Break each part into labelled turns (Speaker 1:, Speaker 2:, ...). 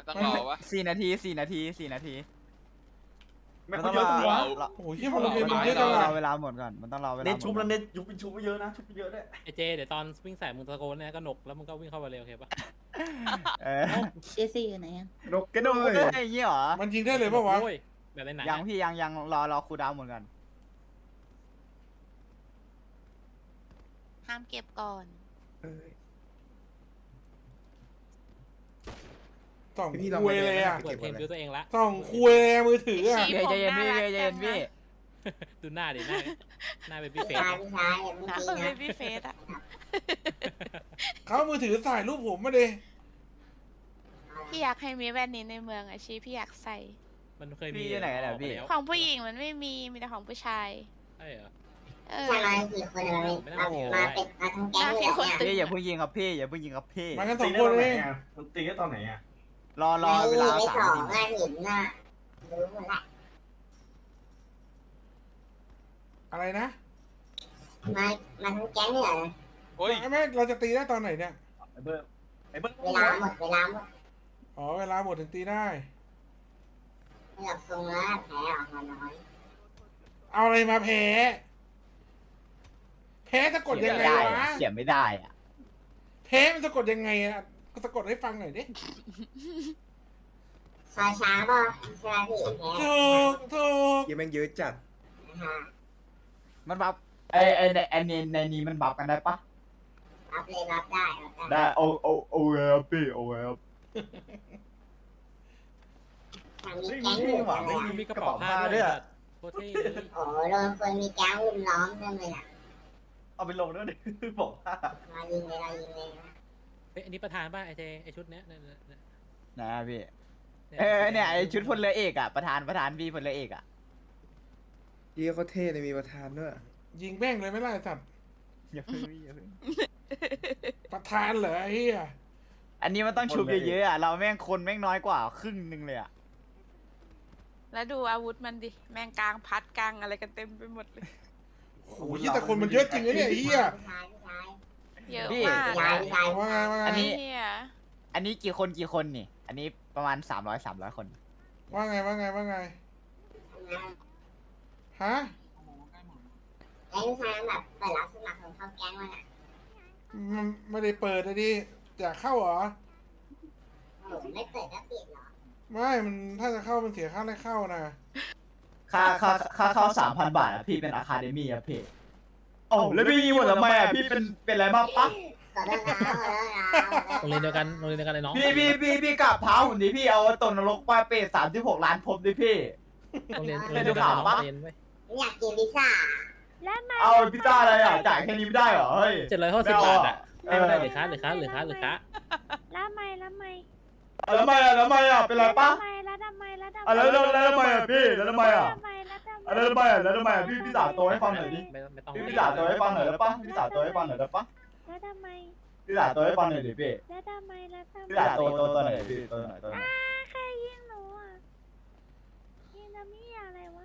Speaker 1: ต้องรอวะ
Speaker 2: 4 นาที
Speaker 3: ไม่เขาเยอะจังวะ
Speaker 4: โอ้ยที่มันเรียนมันเยอะจัง
Speaker 2: ร
Speaker 4: อะ
Speaker 2: อเวลาหมดก่อนมันต้องรอเวลา
Speaker 3: เน้นชุบแล้วเน้นยุบเป็นชุบไปเยอะนะชุบไปเยอะด้วย
Speaker 5: ไอเจเดี๋ยวตอนวิ่งใส่มึงตะโกนเนี่ยก็หนกแล้วมึงก็วิ่งเข้าไปเร็วโอเคปะ
Speaker 6: เจซี่อยู่ไหนอะ
Speaker 2: นกกระโดดอะไรอย่างเงี้ยเหรอ
Speaker 4: มันยิงได้เลยปะวะ
Speaker 5: โอ้ยแบบในหนัง
Speaker 2: ยังพี่ยังรอครูดาวหมดก่อน
Speaker 6: ห้ามเก็บก่อน
Speaker 4: ส่องคุยเลยอ่ะ
Speaker 5: เปิดเพลงบิวตัวเองละ
Speaker 4: ส่องคุยเลยมือถืออ่ะ
Speaker 2: เย็นพี่เย็นพี่
Speaker 5: ดูหน้าดิหน้าเป็นพี่เฟส
Speaker 6: น้ำเบบี้เฟสอะ
Speaker 4: เขามือถือถ่ายรูปผมมาดิ
Speaker 6: พี่อยากให้มีแว่นนี้ในเมืองอะชีพี่อยากใส่
Speaker 5: มันเคยมี
Speaker 2: พี่อยู่ไหนกันอะพี่
Speaker 5: แล้ว
Speaker 6: ของผู้หญิงมันไม่มีแต่ของผู้ชาย
Speaker 5: ใช่เหรอ
Speaker 6: เออ
Speaker 7: มากี่คนเลยมาเป็นมาทั้งแก๊งเลยเนี่ย
Speaker 2: พี่อย่าเพิ่งยิงครับพี่อย่าเพิ่งยิงครับพี่
Speaker 4: มากันสอ
Speaker 3: ตี
Speaker 4: ง
Speaker 3: ได้
Speaker 4: ค
Speaker 3: ตอน นไหน
Speaker 4: เอง
Speaker 3: อ่ะมันตีได้ตอนไหนอ่ะ
Speaker 2: รอเวลา
Speaker 7: ไม่สอง
Speaker 2: 3 นาที
Speaker 7: อ่ะเห็นน่ะรู้หมดละ
Speaker 4: อะไรนะ
Speaker 7: มาทั้งแก๊งเลยเหรอ
Speaker 1: โอ้ย
Speaker 4: แม่เราจะตีได้ตอนไหนเนี่ย
Speaker 3: ไอ้เบิร์ด
Speaker 7: เวลาหมด
Speaker 4: อ๋อเวลาหมดถึงตีได้
Speaker 7: ไม่หลับทรงแล้วแพ้ออกมาน้อย
Speaker 4: เอาอะไรมาแพ้แพ้สะกดยังไงวะ
Speaker 2: เขียนไม่ได้อะ
Speaker 4: แพ้มันสะกดยังไงอ่ะก็สะกดให้ฟังหน่อยดิ
Speaker 7: ซอยช้าป่ะใช่ไหมพี่แพ้
Speaker 4: ถูก
Speaker 8: ยังแม่งเยอะจัด
Speaker 7: ฮะ
Speaker 2: มันบัฟในนี้มันบัฟกันได้ปะ
Speaker 7: รับเลยรับได้
Speaker 2: ได้โอเคครับพี่โอเคครับ
Speaker 7: ทางนี้แก๊งอยู่หว่ะ
Speaker 5: มีกระเป๋าผ้าด้วยโคตรเท่เลย
Speaker 7: โอ้โดนคนมีแก๊งรุมล้อมเต็มเลยอ่ะ
Speaker 3: เอาไปลงด้วยดิบอกว่า
Speaker 7: มายิงเลยเรายิงเลย
Speaker 5: เฮ้ยอันนี้ประธานป่ะไอเจไอชุดเนี้ยเนี่ย
Speaker 2: นะพี่เนี่ยไอชุดพลเรือเอกอะประธานพี่พลเรือเอกอะ
Speaker 8: เยี่ยเขาเท่เลยมีประธานด้วย
Speaker 4: ยิงแม่งเลยไม่ไล่สัตว์
Speaker 2: อย่าเพิ่งอย่าเพิ่ง
Speaker 4: ประธานเหรอไอ้เหี้ย
Speaker 2: อันนี้มันต้องชุบเยอะๆอะเราแม่งคนแม่งน้อยกว่าครึ่งนึงเลยอะ
Speaker 6: แล้วดูอาวุธมันดิแมงกลางพัดกลางอะไรกันเต็มไปหมดเลย
Speaker 4: โอ้ยแต่คนมันเยอะจริงนะเนี่ยไอ้เหี้ย
Speaker 7: ผู้ชาย
Speaker 6: เยอะมาก
Speaker 7: ผู้ชาย
Speaker 4: ว่าไงว่าไง
Speaker 2: อันนี้
Speaker 6: เหี้ย
Speaker 2: อันนี้กี่คนนี่ อันนี้ประมาณ300 คน
Speaker 4: ว่าไงฮะ
Speaker 7: ไอ้ผู้ชายแบบเปิดรับสมัครของเข้าแก๊งมันอ่ะ
Speaker 4: มันไม่ได้เปิดนะดิอยากเข้าเหรอ
Speaker 7: โอ้ไม่เปิดก็ปิดหรอ
Speaker 4: ไม่มันถ้าจะเข้ามันเสียค่าแรกเข้านะ
Speaker 2: ค่าเข้า3,000 บาทอะพี่เป็นอะคาเดมี่อะพี่โอ้แล้วพี่ยิงหมดทำไมอะพี่เป็นอะไรบ้างปะ
Speaker 7: ขอโทษนะขอโทษนะ
Speaker 5: โรงเรียนเดียวกันเลยน้อง
Speaker 2: พี่กลับเท้าผมดิพี่เอาตกนรกไปเปรต36 ล้านภพดิพี่
Speaker 5: โรงเรียนเดียวกันน้องเรียนไว้
Speaker 7: อยากกินพิซซ่า
Speaker 2: เอาพิซซ่าอะไรอะจ่ายแค่นี้ไม่ได้เหรอเฮ้ย
Speaker 5: 750 บาทอ่ะให้ไม่ได้หรือค้า
Speaker 9: แล้วไม่
Speaker 2: แล้วทำไมอะเป็นไรปะ
Speaker 9: แล้วทำไม
Speaker 2: แล้วทำไมอะพี่แล้วทำไมอะแล้วทำไมอะพี่สาวโตให้ฟังหน่อยดิ
Speaker 5: ไม่ต้อง
Speaker 2: พี่สาวโตให้ฟังหน่อยได้ปะพี่สาวโตให้ฟังหน่อยได้ปะ
Speaker 9: แล้วทำไม
Speaker 2: พี่สาวโตให้ฟังหน่อยดิพี่
Speaker 9: แล้วทำไม
Speaker 2: พี่สาวโตหน่อยพี่โตหน่อย
Speaker 9: ใครยิงหนูอ่ะยิงน้ำมี่อะไรวะ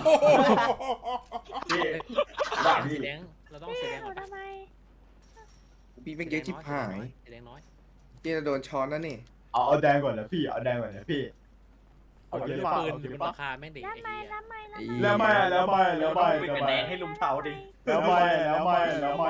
Speaker 3: พี่ด่าพี่
Speaker 5: สีแดงเราต้องสี
Speaker 9: พี่
Speaker 5: แดง
Speaker 9: หนูทำไม
Speaker 8: พี่แม่งเยอะชิบหาย
Speaker 5: สีแดงน้อย
Speaker 8: นี่เราโดนช้อนแล้วนี่
Speaker 2: เอาแดงก่อนนะพี่เอาแดงก่อนนะพี่เอา
Speaker 5: ปื
Speaker 2: เย
Speaker 5: น
Speaker 2: อะ
Speaker 5: อยู่บนราคาแม่งดิ
Speaker 9: แล้ว
Speaker 5: ไอ้
Speaker 9: ไม่
Speaker 5: เหี้ย
Speaker 9: แล้วไม่
Speaker 2: แล้วไม่
Speaker 3: เป็นคะแนนให้ลุงเทาดิ
Speaker 2: แล้วไม่อะแล้วไม่
Speaker 9: แล้วทำไม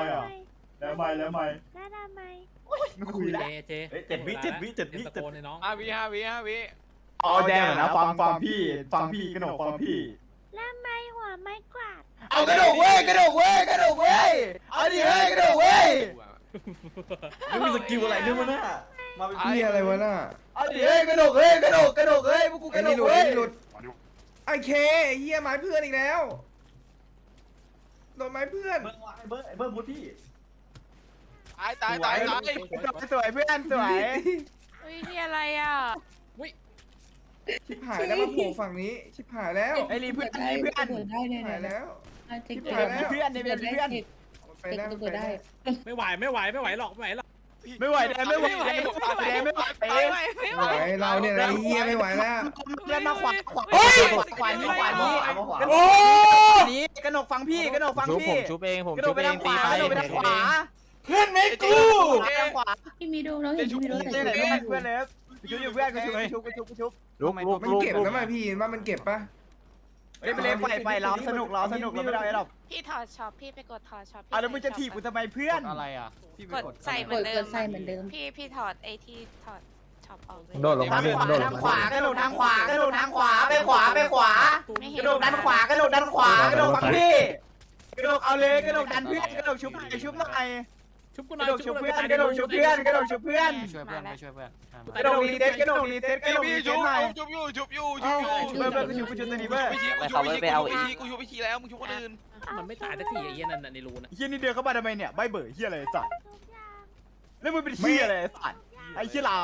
Speaker 2: ไม่คุยแล้ว
Speaker 5: เจ
Speaker 3: เฮ้ย7 วิ
Speaker 5: ตะโกนในน้อง
Speaker 1: 5 วิ
Speaker 2: เอาแดงก่อนนะฟังพี่กระหนกฟังพี่
Speaker 9: แล้วไม่หัวไม่กวาด
Speaker 2: เอากระโดดเว้ยเอาดิเฮ้ยกระโดดเว้ย
Speaker 3: ไม่มีสกิลอะไรด้วยมั้งน่ะมาเป็น
Speaker 8: พี่อะไรวะน่ะ
Speaker 2: เอาดิเฮ้ยกระโดดเว้ยพวกกูก
Speaker 8: ไอ้
Speaker 2: ระโด
Speaker 8: นี่
Speaker 2: ด
Speaker 8: หลุด
Speaker 2: เว้
Speaker 8: ไอ้
Speaker 2: ย
Speaker 8: นี่หลุดไอ้เคไอ้เหี้ยไม้เพื่อนอีกแล้วโดนไม้เพื่อน
Speaker 3: เบิร์ดพูดพี่
Speaker 1: ตาย
Speaker 2: สวยเพื่อนสวย
Speaker 6: เฮ้ยนี่อะไรอ่ะ
Speaker 8: ชิบหายแล้วมาโผล่ฝั่งนี้ชิบหายแล้ว
Speaker 2: ไอ้รีเพื่อน
Speaker 8: ชิบหายแล้วชิบหายแล้ว
Speaker 2: เพื่อนเนี่ยเป็นเพื่อน
Speaker 8: ไปได้ไปได้
Speaker 5: ไม่ไหวหรอก
Speaker 2: ไม่ไหวแดงไม่ไหว
Speaker 6: ไม่ไหว
Speaker 8: ไหวเราเนี่ยนะไอ้เหี้ยไม่ไหวแล้ว
Speaker 2: เล่นมาขวานนี้
Speaker 4: โอ้
Speaker 2: นี้กระหนกฟังพี่กระหนกฟังพี่ผมชุบเองกระโดดไปทางขวากระโดดไปทางขวา
Speaker 4: เพื่อนไม่กู
Speaker 2: ทางขวา
Speaker 9: พี่มีดูแล้วเห็นพี่มีดู
Speaker 2: เพื่อนเลยชุบอยู่เพื่อนกูชุบ
Speaker 3: ลุก
Speaker 8: มันเก็บนะมาพี่ว่ามันเก็บปะ
Speaker 2: เล่นไปเล่นไปล้อสนุกเราไม่ได้หรอก
Speaker 6: พี่ถอดช็อปพี่ไปกดถอดช็อป
Speaker 2: อ่ะแล้วมึงจะถีบกูทำไมเพื่อน
Speaker 5: อะไรอ่ะ
Speaker 6: กดใส่เหมือนเดิมพี่ถอดไอที่ถอดช็อปออกเลย
Speaker 3: โดดลงมา
Speaker 2: ทางขวากระโดดทางขวากระโดดทางขวาไปขวากระโดดดันขวากระโดดฝั่งพี่กระโดดเอาเลยกระโดดดันเพื่อนกระโดดชุบหน่อย
Speaker 5: ชุบกูห
Speaker 2: ก
Speaker 5: น่อ
Speaker 2: ระ
Speaker 5: ย
Speaker 2: โดดชุบเพื่อนกระโดดชุบเพื่อน
Speaker 5: ช่วยเพื่อนช่วยเพื่อน
Speaker 2: กระโดดรีเซ็ต
Speaker 1: พี่ชุบ
Speaker 2: หน่อย
Speaker 1: ชุบอยู่
Speaker 2: เบอร์กูชุบตัวนี้เบอร์
Speaker 1: กูชุบไปทีแล้วมึงชุบคนอื่น
Speaker 5: มันไม่ตายสักทีไอ้เหี้ยนั่นในรูนะ
Speaker 2: เฮียนี่เดินเข้ามาทำไมเนี่ยใบเบอร์เฮียอะไรสัตว์แล้วมึงเป็นเฮียอะไรสัตว์ไอ้เฮียลาว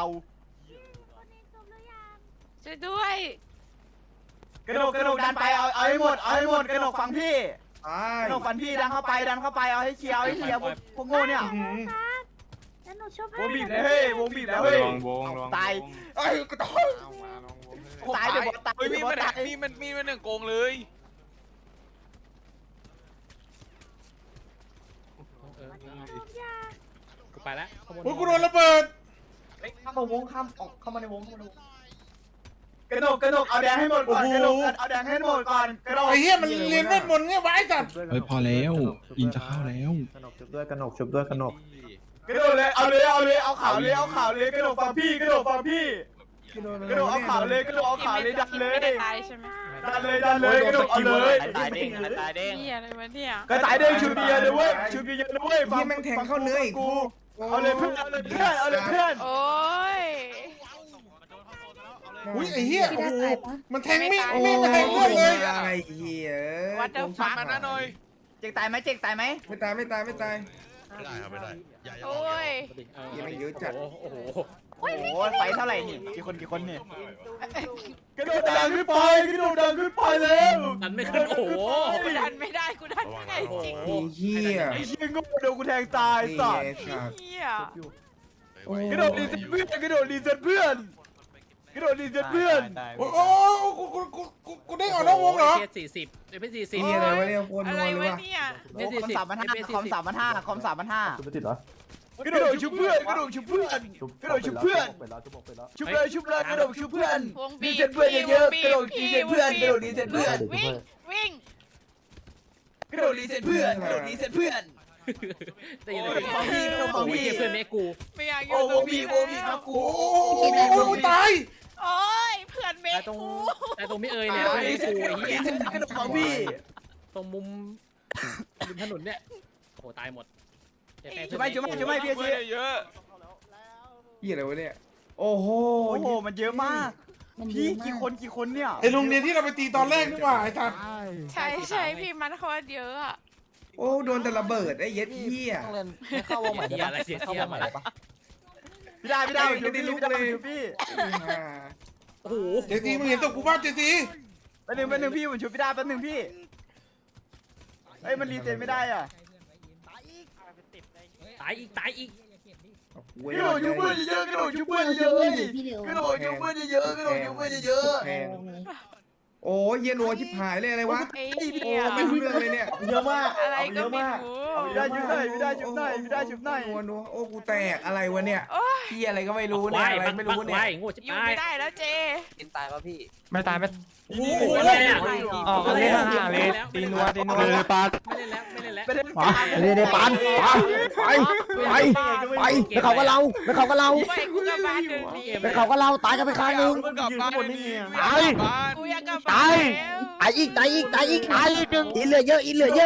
Speaker 6: ช่วยด้วย
Speaker 2: กระโดดดันไปเอาให้หมดกระโดดฟังพี่ กระโดดฟันพี่ดันเข้าไปเอาให้เคลียร์พวกโง่เนี่ย
Speaker 9: แล้วหนูชุบ
Speaker 2: ว
Speaker 9: ให้
Speaker 2: งบีบเลยเฮ้ยวงบีบแล้วเฮ้ยตาย
Speaker 8: ไอ้กระต่าย
Speaker 2: ตายเดี๋ยวตาย
Speaker 1: เฮ้ยมี
Speaker 2: เดี๋ยว
Speaker 1: มัน
Speaker 2: ตาย
Speaker 1: มีมันหนึ่งโกงเลย
Speaker 5: กูไปแล้วข้างบน
Speaker 4: โอ้ยกูโดนระเบิด
Speaker 2: ข้ามวงข้ามออกเข้ามาในวงกระโดดเอาแดงให้หมดก่อนกระโดดเอาแดงให้หมดก่อนกระโดด
Speaker 4: ไอ้เหี้ยมันเรียนเวทมนต์เนี่ยวะไอ้สัตว์
Speaker 10: เฮ้ยพอแล้วอินจะเข้าแล้ว
Speaker 3: กระหนกชุบด้วยกระหนกชุบด้วยกระหนก
Speaker 2: กระโดดเลยเอาข่าวเลยกระโดดฟังพี่กระโดดเอาข่าวเลยดันเลย
Speaker 6: ไม่ได้ตายใช่ไหม
Speaker 2: ดันเลยกระโดดเอาเลย
Speaker 5: ตายเด้ง
Speaker 6: นี่อะไรวะเนี่ย
Speaker 2: กระต่ายเด้งชูบีเยอะนะเว้ยฟั
Speaker 8: พี่แม่งแทงเข้าเนื้ออีก
Speaker 2: กูเอาเลยเพื่อน
Speaker 6: โอ้ย
Speaker 4: อุ้ยไอ้เหี้ยโอ้โหมันแทงไม่
Speaker 6: ไม่
Speaker 4: ไม่
Speaker 6: ตาย
Speaker 4: แทงเรื่องเลย
Speaker 8: อะไรเหี้ย
Speaker 6: วัดเดอร์ฟัก
Speaker 1: มาหน้าหน่อย
Speaker 2: เจ๊กตายไหม
Speaker 8: ไม่ตาย
Speaker 10: ไม่ได้อย่า
Speaker 6: โอ้ย
Speaker 8: ยังไม่เยอะจัด
Speaker 5: โอ้โห
Speaker 2: โอ้โหไฟเท่าไหร่นี่กี่คนนี่กระโดดดังขึ้นไปแล้ว
Speaker 5: ดันไม่ขึ้นโอ้โห
Speaker 6: กูดันไม่ได้กูดันไม่ได้จริง
Speaker 8: ไอ้เหี้ย
Speaker 2: ไอ้เชี่ยงโดนกูแทงตายสัตว์
Speaker 6: เหี้ย
Speaker 2: กระโดดรีเซ็ตเพื่อน
Speaker 4: โอ้ยกูได้ออกนอกวงเหรอ
Speaker 5: เทีย40เป็น40
Speaker 8: เหี้ยอะไรวะเนี่ยโคตร
Speaker 6: อะ
Speaker 8: นั
Speaker 6: ไร
Speaker 8: วเลยว
Speaker 6: ะ
Speaker 8: วะ
Speaker 6: เนี่ย
Speaker 2: คอม3,500
Speaker 3: ชุบไม่ติดเหรอก
Speaker 2: ระโดดชุบเพื่อนชุบเลยกระโดดชุบเพื่อนรีเซ็ตเพื่อนเยอะๆกระโดดรีเซ็ตเพื่อน
Speaker 6: วิ่ง
Speaker 2: กระโดดรีเซ็ตเพื่อน
Speaker 5: ตีเลยโอ้ยเพื่อนแม่กู
Speaker 6: ไม่อยากอ
Speaker 2: โอ้
Speaker 6: ยู่
Speaker 2: โห
Speaker 6: ตรง
Speaker 2: มี
Speaker 6: นี้
Speaker 2: ครับกู
Speaker 4: โอ้ยตาย
Speaker 6: โอ้ยเพื่อนเม
Speaker 5: แต่
Speaker 6: ฆ
Speaker 5: ตรง
Speaker 6: กู
Speaker 5: แต่ตรงไม่เอ่ยเนี่ย
Speaker 2: รีเซ็ต
Speaker 5: กูไอ้เหี้ย
Speaker 2: กระโดดของพี่
Speaker 5: ตรงมุมริมถนนเนี่ยโอ้โหตายหมด
Speaker 2: จุ๊บไม่พี่
Speaker 1: เพื่
Speaker 2: ชี้
Speaker 1: อนเยอะ
Speaker 8: เหี้ยอะไรวะเนี่ยโอ้โห
Speaker 2: โอ้โหมันเยอะมากพี่กี่คนเนี่ย
Speaker 4: ไอ้โรงเรียนที่เราไปตีตอนแรกนี่หว่าไอ้สัตว์
Speaker 6: ใช่พี่มันโคตรเยอะอะ
Speaker 8: โอ้โดนแต่ระเบิดไอ้เย็ดเหี้ย
Speaker 3: เข้าวงใหม่
Speaker 5: เหี้ยอะไรเสียเหี้ยมา
Speaker 2: พี่ได้ชุบพี่
Speaker 5: โอ้โห
Speaker 4: เจซีมึงเห็นตัวกูบ้างเจซี
Speaker 2: แป๊บนึงพี่ผมชุบพี่ได้แป๊บนึงพี่เอ้ยมันรีเซ็ตไม่ได้อ่ะ
Speaker 5: ตายอีก
Speaker 2: กระโดดชุบเพื่อนเยอะ
Speaker 8: โอ้ยเหี้ยนัวชิบหายเลยอะไรวะ
Speaker 6: ไอ้
Speaker 8: โอ้
Speaker 6: เหี้ย
Speaker 8: ไม่รู้เรื่องเลยเนี่ย
Speaker 3: เยอะมาก
Speaker 6: อะไรก็ไม่รู้
Speaker 2: พี่ได้ชุบหน่อย
Speaker 8: นัวโอ้กูแตกอะไรวะเนี่ย
Speaker 6: โอ้ย
Speaker 8: เหี้ยอะไรก็ไม่รู้เนี่ยอะไรไม่รู้เนี่ย
Speaker 5: โง่ชิบ
Speaker 6: อยู่
Speaker 5: หาย
Speaker 6: ไม่ได้แล้วเจ
Speaker 3: ไม่ตายไม่
Speaker 5: โอ้โหอะไรอ่ะ
Speaker 3: เล่นห่างเลยตีนัวเลยปา
Speaker 5: ไม่เล่นแล้วไม่เล่นแล้ว
Speaker 2: ไปเล่น
Speaker 3: ได้ปานไปเขาก็เรา
Speaker 6: ไปกูกลับบ้านเดี๋ยวนี้
Speaker 3: เขาก็เราตายกันไปข้างนึง
Speaker 1: มึงกลับบ้าน
Speaker 6: กูอยากกลับบ้านแล้ว
Speaker 3: ตายอีกหนึ่งอินเหลือเยอะ
Speaker 2: กระโดด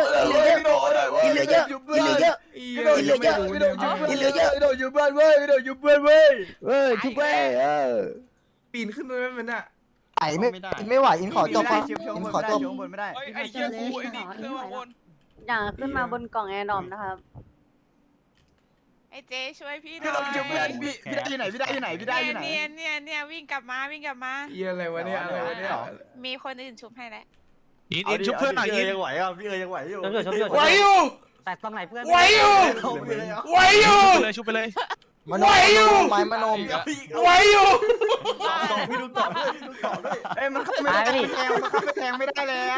Speaker 2: ชุบเพื่อนเว้ย
Speaker 3: เฮ้ยชุบเว้ย
Speaker 8: ปีนขึ้นไปมันอ่ะ
Speaker 3: ไอ้ไม่ไหวอินขอจบปะ
Speaker 2: อินขอจบบนไม่ได้
Speaker 1: ไอ้เหี้ยกูไอ้นี่เครื่องวน
Speaker 9: อย่าขึ้นมาบนกล่องแอร์ดอมนะครับ
Speaker 6: ไอ้เจช่วยพี่ห
Speaker 2: กระ
Speaker 6: น่
Speaker 2: โด
Speaker 6: อ
Speaker 2: ดชุบเพื่อน
Speaker 6: ย
Speaker 2: พี่ได้ที่ไหน
Speaker 6: เนี่ยวิ่งกลับมา
Speaker 8: เหี้ยอะไรวะเนี่ยอะไรวะเนี่ย
Speaker 6: มีคนอื่นชุบให้แล้ว
Speaker 2: อินชุบเพื่อนหน่อยอินยังไหวอ่ะพี่ยังไหวอยู่
Speaker 4: ไหวอยู่
Speaker 3: แต่ตรงไหนเพื่อน
Speaker 4: ไหวอยู่
Speaker 10: ชุบไปเลย
Speaker 3: ไม้มโนม
Speaker 4: ไหวอยู่
Speaker 2: พี่ดูต่อเอ้ยมันเข้าไม่แทงไม่ได้แล้ว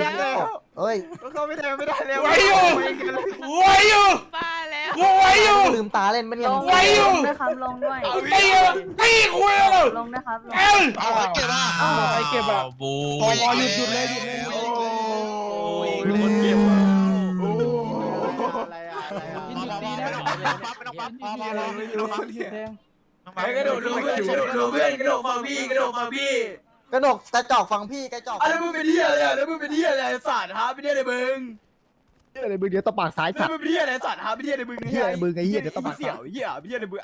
Speaker 3: เฮ้ย
Speaker 2: มันเข้าไม่แทงไม่ได้แล้ว
Speaker 4: ไหวอยู่
Speaker 6: บ้าแล้ว
Speaker 4: กูไหวอยู่
Speaker 2: ลืมตาเล่นไม่เนี่ย
Speaker 9: ลง
Speaker 4: ไว้อยู่
Speaker 9: ด้วยครับลงด้วย
Speaker 4: ตีตีคุยเลย
Speaker 9: ลงด้วยครับลง
Speaker 4: เอ้ย
Speaker 10: เอาไปเก็บอ่ะ
Speaker 5: ไปเก็บอ่ะ
Speaker 10: บู
Speaker 5: พอหยุดเลยหยุดเลย
Speaker 4: โอ้
Speaker 10: มีคนเก็บอ่ะ
Speaker 2: อะไรอะไรอะ
Speaker 5: ยินดีนะ
Speaker 10: ไม่ต้องปั๊บพอไม่รู้ปั๊บ
Speaker 2: กระโดดดูเพื่อนกระโดดดูเพื่อนกระโดดฟังพี่กระโดดฟังพี่กระโดดกระจอกฟังพี่กระจอกแล้วมึงเป็นเหี้ยอะไรแล้วมึงเป็นเหี้ยอะไรสัตว์ฮะเป็นเหี้ยอะไรมึง
Speaker 11: อะไรมึงเดี๋ยวตบปากซ้าย
Speaker 2: แล้ว
Speaker 11: สัตว์
Speaker 2: มึงเป็นเหี้ยอะไรสัตว์ฮะเป็นเหี้ยอะไรมึง
Speaker 11: เหี้ยอะไรมึงไอ้เหี้ยเดี๋ยวต้องมา
Speaker 2: เสี่ยวเหี้ยเป็นเหี้ยอะไรมึง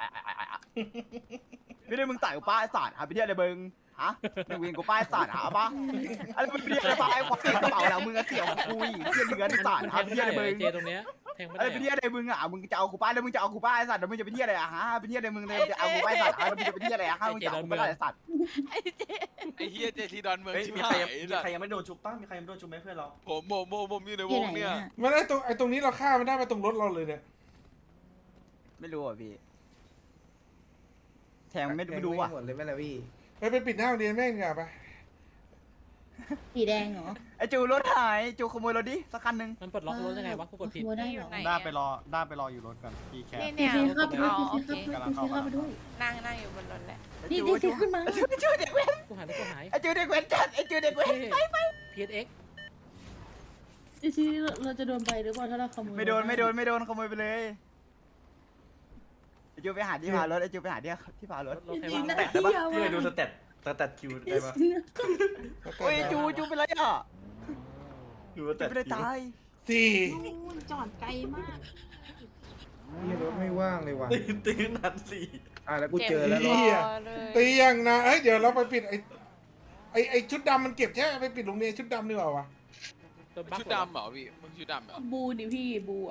Speaker 2: ไม่ได้มึงต่ายกูป้าไอ้สัตว์ฮะเป็นเหี้ยอะไรมึงฮะมึงเวียนกูป้าไอ้สัตว์หาปะอะไรมึงเป็นเหี้ยอะไรป้าไอ้ควายกระเป๋าแล้วมึงก็เสี่ยวกูอีกเหี้ยเดือนไอ้สัตว์ฮะเป็นเหี้ยอะไรมึง
Speaker 5: เจตรงเนี้ยแทงไม่
Speaker 2: อะไร
Speaker 5: ได้
Speaker 2: เป็นเหี้ยอะไรมึงอ่ะมึงจะเอากูป้าแล้วมึงจะเอากูป้าไอ้สัตว์แล้วมึงจะเป็นเหี้ยอะไรอ่ะฮะเป็นเหี้ยอะไรมึงเลยจะเอากูป้าไอ้สัตว์ฮะแล้วมึงจะเป็นเหี้ยอะไรอ่ะฮะมึงจะเอากูป้าไอ้สัตว์
Speaker 6: ไอ้เจ๊
Speaker 1: ไอ้เฮียเจทีดอนเมือง
Speaker 3: เฮ้ย
Speaker 1: ชิบ
Speaker 3: มี
Speaker 1: หา
Speaker 3: ใคร
Speaker 1: ย
Speaker 3: มีใครยังไม่โดนชุบป้ามีใครยังไม่โดนชุบไหมเพื่อนเรา
Speaker 1: ผมอยู่ในวงเนี่ย
Speaker 4: มันไอ้ตรงนี้เราฆ่ามันได้มาตรงรถเราเลยเนี่ย
Speaker 2: ไม่รู้อ่ะพี่แทงไม่รู้อ่ะ
Speaker 8: หมดเลยไหมล่ะพี่
Speaker 4: ไปปิดหน้าโรงเรียนแม่งดีกว่าไป
Speaker 9: สีแดงเหรอ
Speaker 2: ไอจูรถหายจูขโมยรถดิสักคันหนึ่ง
Speaker 5: มันปลดล็อกรถยังไงวะกูกดผิด
Speaker 9: ได้เหรอ
Speaker 6: ไหน
Speaker 3: ด้า
Speaker 6: อะ
Speaker 3: ไปรอด้าไปรออยู่รถกันพี่แค
Speaker 6: นี่เนี่ย
Speaker 9: เข้าไปด้วย
Speaker 6: อ๋อโอเค
Speaker 3: กำลังเข้ามา
Speaker 6: นั่งอยู่บนรถแหละ
Speaker 9: นี่นี่ขึ้นมา
Speaker 2: จูเด็กเว้น
Speaker 5: กูหายแล้วกูหาย
Speaker 2: ไอจูเด็กเว้นจัดไอจูเด็กเว้น
Speaker 5: PSX
Speaker 9: ที่เราจะโดนไปหรือเปล่าถ้าเราขโมย
Speaker 2: ไม่โดนขโมยไปเลยไอจูไปหาที่พารถไอจูไปหาที่พารถ
Speaker 5: รถใครวาง
Speaker 3: แตะได้ปะพี่ไปดูสเต็ปคิวได้ปะ
Speaker 2: โอ้ยจูเป็นไรอ่ะ
Speaker 3: ดูส
Speaker 2: จู
Speaker 3: เต็ป
Speaker 2: ไม่ได้ตาย
Speaker 4: สี่
Speaker 9: จอดไกลมาก
Speaker 8: นี่รถไม่ว่างเลยว่ะ
Speaker 3: ตื่นนันสี่
Speaker 8: แล้วกูเจอแล้ว
Speaker 6: เจ็บ
Speaker 8: รถ
Speaker 6: คอเลย
Speaker 4: ตีอย่างนะเฮ้ยเดี๋ยวเราไปปิดไอ้ชุดดำมันเก็บใช่ไหมไปปิดโรงเรียนชุดดำดีกว่าวะ
Speaker 5: ตัวบั๊ก
Speaker 1: ชุดดำเหรอพี่มึงชุดดำเหรอ
Speaker 9: บูดิพี่บู